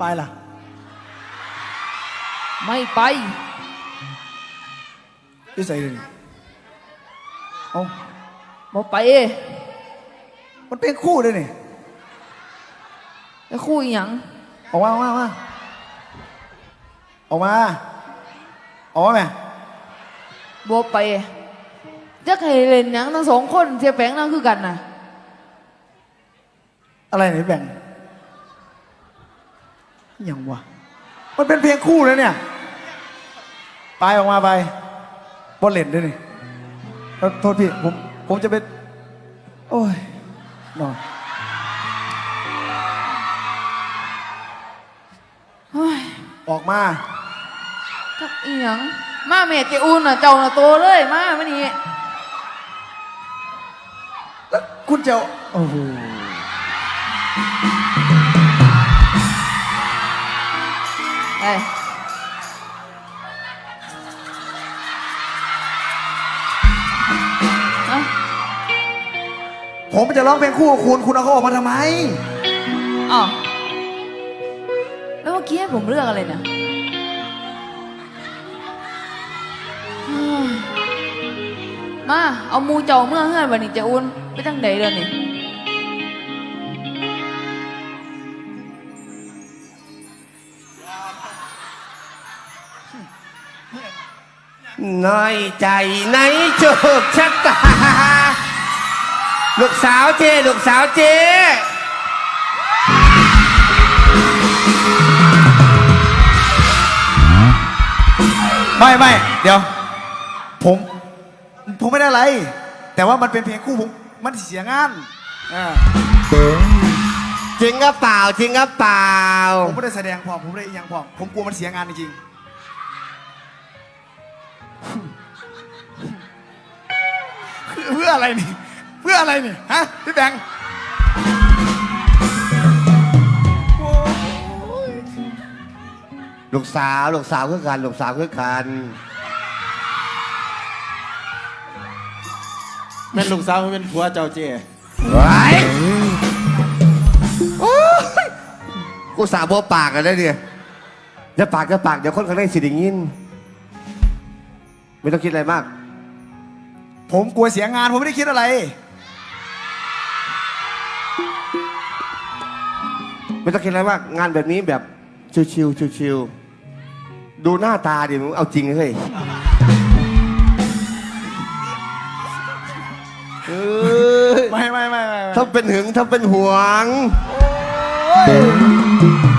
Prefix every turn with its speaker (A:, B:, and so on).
A: ไปล่ะ
B: ไม่ไป
A: ที่ใส่เลยเอา
B: บ่ไป
A: มันเป็นคู่เลยนี่
B: แล้วคู่อีหยัง
A: ออกมาออกมาออกมาออกมาไหม
B: บ่ไปจะให้เล่นหยังทั้งสองคนเสียแปลงนั่งคือกันน่ะ
A: อะไรไหนแบ่งยังวะมันเป็นเพลงคู่เลยเนี่ยไปออกมาไปบอลเล่นด้วยนี่โทษพี่ผมจะเป็นโอ้ยนอนออกมา
B: จักอีหยังมาเมตเจอุ่นน่ะเจ้าน่ะโตเลยมาไม่นี่
A: แล้วคุณเจ้าโอ้โห
B: ไอ้
A: ผมจะร้องเพลงคู่กับคุณเอาเขาออกมาทำไม
B: อ๋อแล้วเมื่อกี้ผมเลือกอะไรเนี่ยมาเอามูเจ้าเมื่อเฮือนวันนี้จะอุ่นไปจังไหนเดือนนี่
C: น้อยใจในโชคชะตาลูกสาวเจลูกสาวเจ
A: ไม่เดี๋ยวผมไม่ได้อะไรแต่ว่ามันเป็นเพลงคู่ผมมันเสียงาน
C: จริงก็เปล่าจริงก็เปล่า
A: ผมไม่ได้แสดงพอผมไม่ได้ยังพอผมกลัวมันเสียงานจริงเพื่ออะไรนี่เพื่ออะไรนี่ฮะพี่แบงค์
C: ลูกสาวคือกันลูกสาวคือกัน
D: แม่นลูกสาวเป็นผัวเจ้าเจ้
C: ไว้กูสาวบัวปากกันได้เนี่ยจะปากเดี๋ยวคนข้างในสิได้ยินไม่ต้องคิดอะไรมาก
A: ผมกลัวเสียงานผมไม่ได้คิดอะไร
C: ไม่ต้องคิดอะไรมากงานแบบนี้แบบชิวๆดูหน้าตาดิมึงเอาจริงเฮ้ย
A: ไม่
C: ถ้าเป็นหึงถ้าเป็นหวง